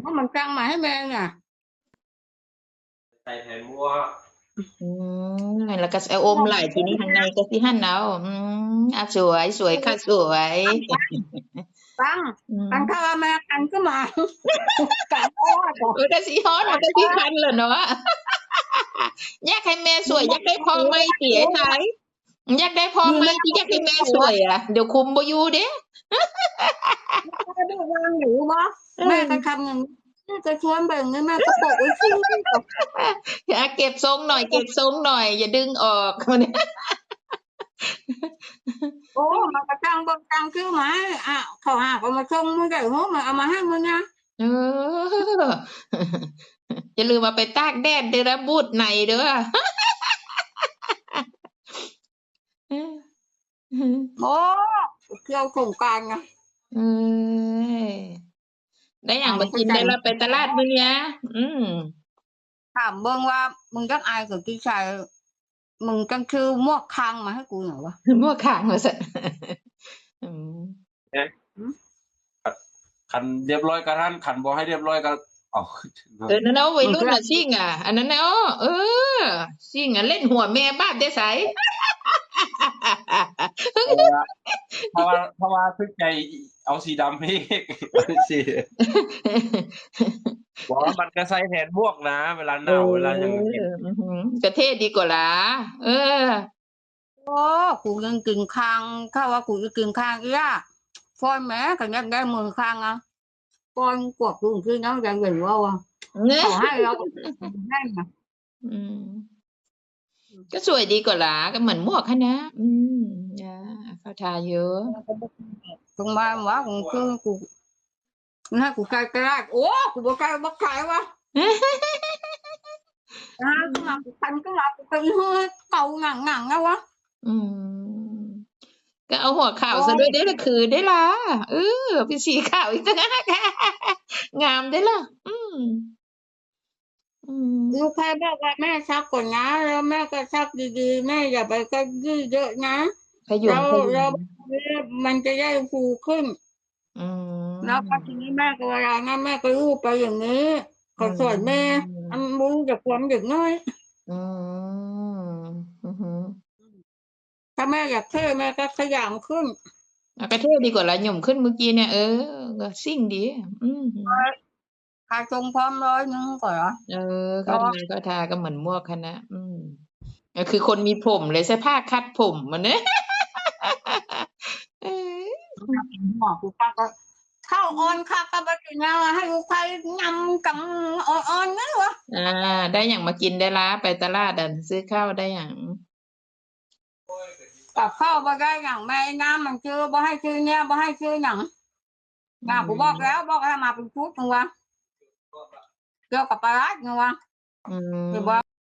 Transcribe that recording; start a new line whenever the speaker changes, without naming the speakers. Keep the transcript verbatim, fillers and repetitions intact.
nó mình căng mà thấy men nè
ใส่แผ่นบัว
อืมแล้วก็เอาอมไหล่ทีนี้ทางในก็สิหั่นเอาอืมอ่ะสวยสวยค่ะสวย
căng
อืม
căng thơ mẹ căng cứ mà căng quá
เออก็สิฮ้อนเอาก็สิคันแหละเนาะ อยากให้แม่สวยอยากได้พ่อไหมติไอ้ไทยอยากได้พ่อ
vì
ไหม
mẹ
ที่อยากให้แม่ส
ủa
วยอ่ะเดี๋ยวคุมบ่อยู่เด้
mẹ biết quan vụ bó
เอ
mẹ
อ
cái khăm cái chuối bừng cái mẹ cái bộ cái chi
อ่ะเก็บทรงหน่อยเก็บทรงหน่อยอย่าดึงออก
ủa mà cái căng bông căng cứ mà à khẩu hạ của mà không mới gậy hốt màเอามาให้มึงนะ
เอออย่าลืมมาไปตากแดดเด้อนะบูดในเด้อ
โอ้เที่ยวสงกรานต์ไง
เอ้ยได้อย่าง
à
มา
mình
กิน
phải
ได้
dành
ละไปตลาดมื้อเนี้ยอืม
ถามเบิ่งว่ามึงจักอายกับพี่ชายมึงจังคือมวกคางมาให้กูหน่อยวะ
มั่วข้างว่าซั่น อืม
เนี่ยขันเรียบร้อยกระทันขันบ่ให้เรียบร้อยก็เอา
เออนั่นเนาะวัย
มึง
รุ่น
คือ
น่ะซิ่งอ่ะ อันนั้นน่ะอ้อเออซิ่งอ่ะเล่นหัวแม่บ้านได้ไส
เพราะว่าเพราะว่าทึกใจเอาสีดำให้สิบอกว่ามันก็ใส่แทนบวกนะ เวลาห
เอ
นาว
อ
เวลาหยังก็กิน
อือฮึก็เท่ดีกว่าล่ะเออ
โอ้กูยังกินคางถ้าว่ากูจะกินคางอีอ่ะฟอนแม่ก็ยังได้มือคางอ่ะฟอนกวกกูคือน้องยังเหลือว่ะ
เนอะ
ขอให้เราได้นะ
อืม ก็สวยดีกว่าล่ะก็เหมือนหมวกค่ะนะ อืมนะเข้าทาเยอะ
ตรงมาว่ากูคือกูนะกูใกล้ใกล้โอ้กูบ่ใกล้บ่ใกล้วะอ่าก็มากูคันก็มากูไปเฮ้ยเก่าหงังหงังแล้ววะ
อืม ก็เอาหัวขาวซะด้วยเด้อล่ะคือได้ล่ะเออเป็นสีขาวอีกต่างหาก งามได้ล่ะ อืม อืม
ลูกใครบอกว่าแม่ซักก่อนนะแล้วแม่ก็ซักดีๆแม่อย่าไปก็ยืดเยอะนะ
ขยุ
แล้
ม
ว
ขยุ
แล้ว
ม
มันจะได้ฟูขึ้น
อื
แล้วพอที
ม
นี้แม่ก็เวลานั้นแม่ก็ลูบไปอย่างนี้
อื
ก็สอนแม่อัน
ม
รู้จักความเด็กน้อย
อืม อือฮึ
ถ้าแม่อยากเท่แม่ก็ขยันขึ้น
อ่ะก็เท่ดีกว่าล่ะหย่มขึ้นเมื่อกี้เนี่ยเออก็ซิ่งดี อือฮึ
ค่าทรงพร้อมร้อยหนึ่งก่อนเหรอ
เออ
เพ
เข้า
ราะว่า
ทาเข้าทาก็เหมือนหมวกค่ะนะ อืม ก็คือคนมีผมเลยใช้ผ้าคัดผมอะเนาะ เออ
ถ้าเป็นหมอกูป้าก็เข้าออนค่ะก็ไปกินยาให้ลูกใครยำกับอ่อนๆนั่นวะ
อ่า ได้หยังมากินได้ล่ะไปตลาดอะซื้อข้าวได้หยัง
กับข้าวบ่ได้หยังแม่น้ำมันชื่อบ่ให้ชื่อเนี่ยบ่ให้ชื่อหยัง
อื
น่ะกูบอกแล้
ม
วบอกให้มาเป็นชุดนึงวะเกี่ยวกับปลาร้านึงวะ
อื
คือ
ม
บ่